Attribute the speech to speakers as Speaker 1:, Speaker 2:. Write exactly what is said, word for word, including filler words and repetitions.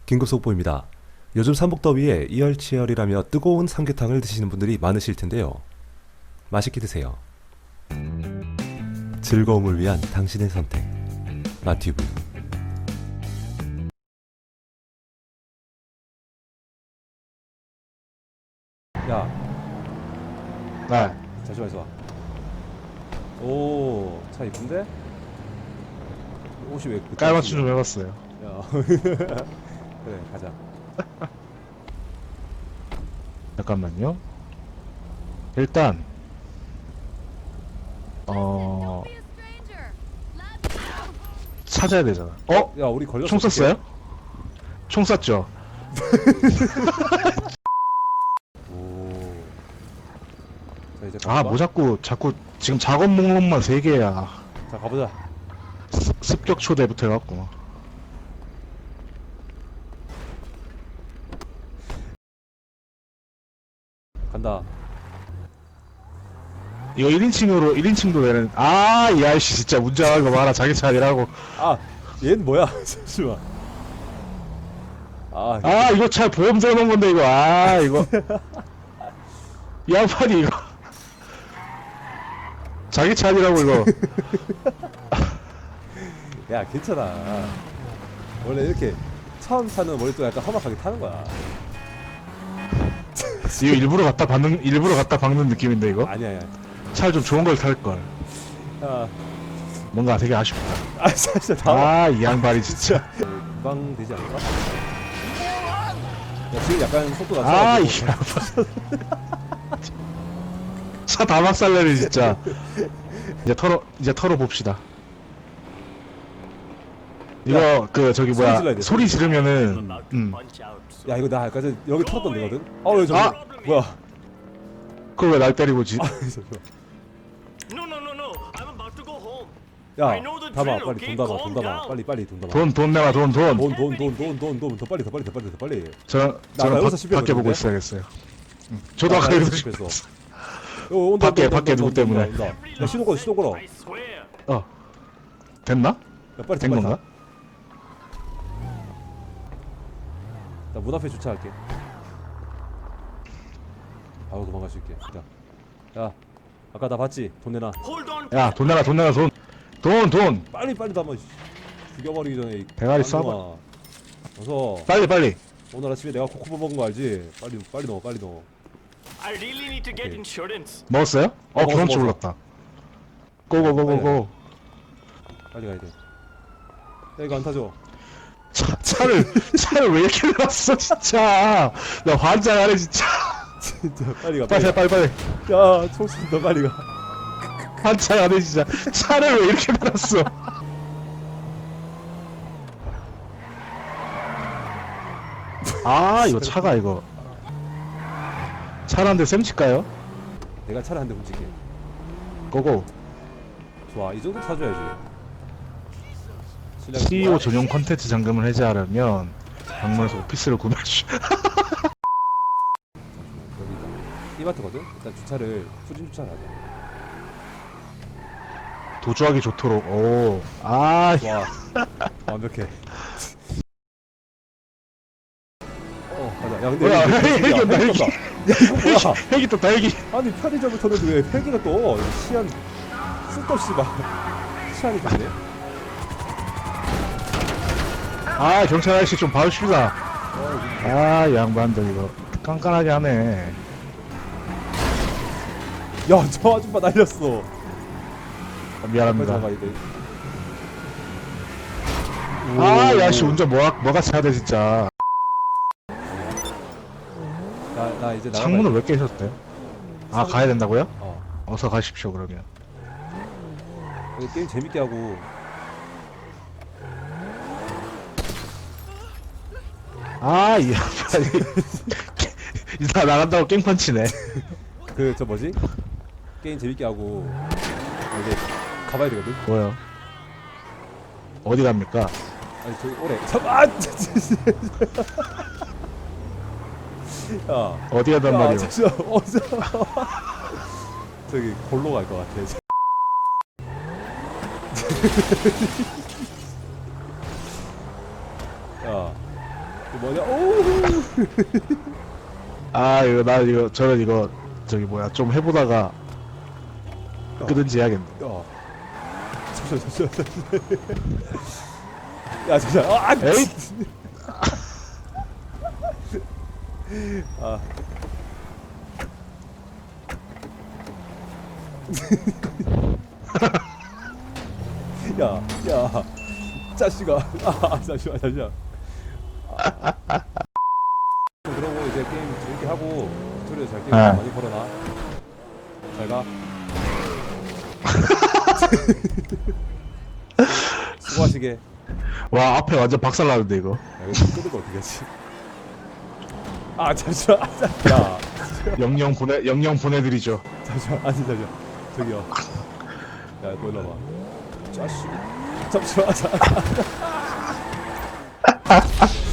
Speaker 1: 긴급 속보입니다. 요즘 삼복더위에 이열치열이라며 뜨거운 삼계탕을 드시는 분들이 많으실 텐데요. 맛있게 드세요. 즐거움을 위한 당신의 선택. 마튜브. 야,
Speaker 2: 네.
Speaker 1: 잠시만 있어봐. 오, 차 이쁜데? 옷이 왜 그
Speaker 2: 깔맞춤 좀 해봤어요.
Speaker 1: 야, 그래, 가자.
Speaker 2: 잠깐만요. 일단 어 찾아야 되잖아. 어?
Speaker 1: 야, 우리 걸렸어.
Speaker 2: 총 쐈어요? 총 쐈죠.
Speaker 1: 오. 자, 이제
Speaker 2: 아,
Speaker 1: 가볼까?
Speaker 2: 뭐 자꾸 자꾸 지금 작업 목록만 세 개야.
Speaker 1: 자, 가보자.
Speaker 2: 습- 습격 초대부터 해갖고.
Speaker 1: 간다.
Speaker 2: 이거 일 인칭으로 일 인칭도 되는. 아, 이 아저씨 진짜 운전하는 거 봐라. 자기 차 아니라고.
Speaker 1: 아, 얘는 뭐야? 잠시만. 아,
Speaker 2: 아, 이거 차 보험 들어놓은 건데 이거. 아, 이거. 이 양반이 이거. 자기 차 아니라고 이거.
Speaker 1: 야, 괜찮아. 원래 이렇게 처음 타는 머리도 약간 험악하게 타는 거야.
Speaker 2: 이거 일부러 갖다 박는 일부러 갖다 박는 느낌인데 이거.
Speaker 1: 아니야, 아니야.
Speaker 2: 차를 좀 좋은 걸 탈 걸.
Speaker 1: 야,
Speaker 2: 뭔가 되게 아쉽다.
Speaker 1: 아, 진짜 다.
Speaker 2: 아, 이 양반이 진짜.
Speaker 1: 금방 되지 않을까? 야, 지금 약간 속도가
Speaker 2: 아, 이
Speaker 1: 낮춰가지고.
Speaker 2: 양반. 차 다 막살내네 진짜. 이제 털어 이제 털어 봅시다. 이거 그 저기
Speaker 1: 소리 질러야
Speaker 2: 뭐야
Speaker 1: 돼,
Speaker 2: 소리 지르면은 음
Speaker 1: 야, 이거 나 아까 전에 여기 털었던 데거든? 아, 왜 저기?
Speaker 2: 아!
Speaker 1: 뭐야?
Speaker 2: 그걸 왜 날 때리고 지?
Speaker 1: 아, 잠시만.
Speaker 3: No, no, no, no. I'm about to go home.
Speaker 1: 야,
Speaker 3: I know the
Speaker 1: 담아,
Speaker 3: drill,
Speaker 1: 빨리
Speaker 3: okay?
Speaker 1: 돈 담아, 돈
Speaker 3: Calm
Speaker 1: 담아,
Speaker 3: down.
Speaker 1: 빨리, 빨리 돈 담아.
Speaker 2: 돈 돈 내놔 돈 돈.
Speaker 1: 돈, 돈, 돈, 돈, 돈, 돈, 더 빨리, 더 빨리, 더 빨리, 더 빨리.
Speaker 2: 저
Speaker 1: 나
Speaker 2: 저는
Speaker 1: 여기서
Speaker 2: 밖-
Speaker 1: 실패했거든요?
Speaker 2: 밖에 보고 있어야겠어요. 음. 저도 아까
Speaker 1: 나
Speaker 2: 여기서
Speaker 1: 실패했어.
Speaker 2: 실패했어.
Speaker 1: 어, 온다,
Speaker 2: 밖에,
Speaker 1: 온다,
Speaker 2: 밖에
Speaker 1: 온다,
Speaker 2: 누구
Speaker 1: 온다,
Speaker 2: 때문에.
Speaker 1: 온다, 온다. 야, 시동 걸어, 시동 걸어.
Speaker 3: I swear.
Speaker 2: 어 됐나?
Speaker 1: 야, 빨리
Speaker 2: 된
Speaker 1: 빨리
Speaker 2: 건가?
Speaker 1: 타. 나 문 앞에 주차할게. 바로 도망갈 수 있게. 야, 야, 아까 나 봤지? 돈 내놔.
Speaker 3: Hold on.
Speaker 2: 야 돈 내놔 돈 내놔 돈. 돈 돈.
Speaker 1: 빨리 빨리 담아. 씨. 죽여버리기 전에. 이
Speaker 2: 대가리
Speaker 1: 쌍놈아. 어서.
Speaker 2: 빨리 빨리.
Speaker 1: 오늘 아침에 내가 코코보 먹은 거 알지? 빨리 빨리 넣어, 빨리 넣어.
Speaker 3: I really need to get
Speaker 1: Okay.
Speaker 3: insurance.
Speaker 2: 먹었어요? 어
Speaker 1: 먹었어,
Speaker 2: 경험치
Speaker 1: 먹었어.
Speaker 2: 올랐다. 고고고고고.
Speaker 1: 빨리 가야 돼. 야, 이거 안 타죠?
Speaker 2: 차, 차를 차를 왜 이렇게 놨어 진짜. 나 환장하네 진짜.
Speaker 1: 진짜 빨리 가.
Speaker 2: 빨리
Speaker 1: 가.
Speaker 2: 빨리 빨리.
Speaker 1: 야, 총수 너 빨리 가.
Speaker 2: 환장하네 진짜. 차를 왜 이렇게 놨어. 아 이거 차가 이거 차를 한 대 쌤칠까요?
Speaker 1: 내가 차를 한 대 훔칠게.
Speaker 2: 고고.
Speaker 1: 좋아, 이 정도 타줘야지. 실력이
Speaker 2: 씨이오
Speaker 1: 좋아.
Speaker 2: 전용 컨텐츠 잔금을 해제하려면 방문해서 오피스를 구매할 수.
Speaker 1: 여기 있다. 이마트거든? 일단 주차를 수진 주차를 하자.
Speaker 2: 도주하기 좋도록. 오. 아.
Speaker 1: 좋아. 완벽해. 어, 가자. 야, 근데
Speaker 2: 뭐야,
Speaker 1: 여기 왜
Speaker 2: 헬기 온다,
Speaker 1: 헬기
Speaker 2: 헬기.
Speaker 1: 떴다. 야, 이거 뭐야?
Speaker 2: 헬기 떴다 헬기.
Speaker 1: 아니, 편의점을 탔는데 왜 헬기가 떠? 시안 쓸데없이 막 시안이 됐네.
Speaker 2: 아 경찰 아저씨 좀 봐주십시다.
Speaker 1: 어,
Speaker 2: 아 양반들 이거 깐깐하게 하네.
Speaker 1: 야, 저 아줌마 날렸어.
Speaker 2: 아,
Speaker 1: 빨리
Speaker 2: 미안합니다.
Speaker 1: 나가야 돼.
Speaker 2: 아 야씨 운전 뭐가 뭐가 차야 돼 진짜.
Speaker 1: 나, 나 이제 나가.
Speaker 2: 창문을 왜 깨셨대? 아 가야 된다고요?
Speaker 1: 어.
Speaker 2: 어서 가십시오 그러면.
Speaker 1: 여기 게임 재밌게 하고.
Speaker 2: 아 이 양반이 나 나간다고 깽판치네.
Speaker 1: 그 저 뭐지? 게임 재밌게 하고 이제 가봐야 되거든.
Speaker 2: 뭐요? 어디 갑니까?
Speaker 1: 아니 저기 오래. 잠깐. 야.
Speaker 2: 어디 가단
Speaker 1: 야,
Speaker 2: 말이오?
Speaker 1: 잠시만. 어디서? 저기 골로 갈 것 같아. 야, 이거 뭐냐? 오!
Speaker 2: 아 이거 나 이거 저는 이거 저기 뭐야 좀 해보다가 끄든지 해야겠네.
Speaker 1: 야. 잠시만, 잠시만, 잠시만. 야, 잠시만. 아,
Speaker 2: 에이!
Speaker 1: 아. 야, 야. 자식아. 아, 잠시만, 잠시만. 아. 그러고 이제 게임 재밌게 하고 스토리도 잘 게임
Speaker 2: 네.
Speaker 1: 많이 걸어놔. 잘 가. 수고하시게.
Speaker 2: 와 앞에 완전 박살나는데 이거.
Speaker 1: 야, 이거 끄는 거 어떻게 하지? 아, 잠시만. 아, 잠- 야.
Speaker 2: 영영 보내 영영 보내드리죠.
Speaker 1: 잠시만. 아니, 잠시만. 저기요. 야, 너 일로 와봐. 자식. 잠시만.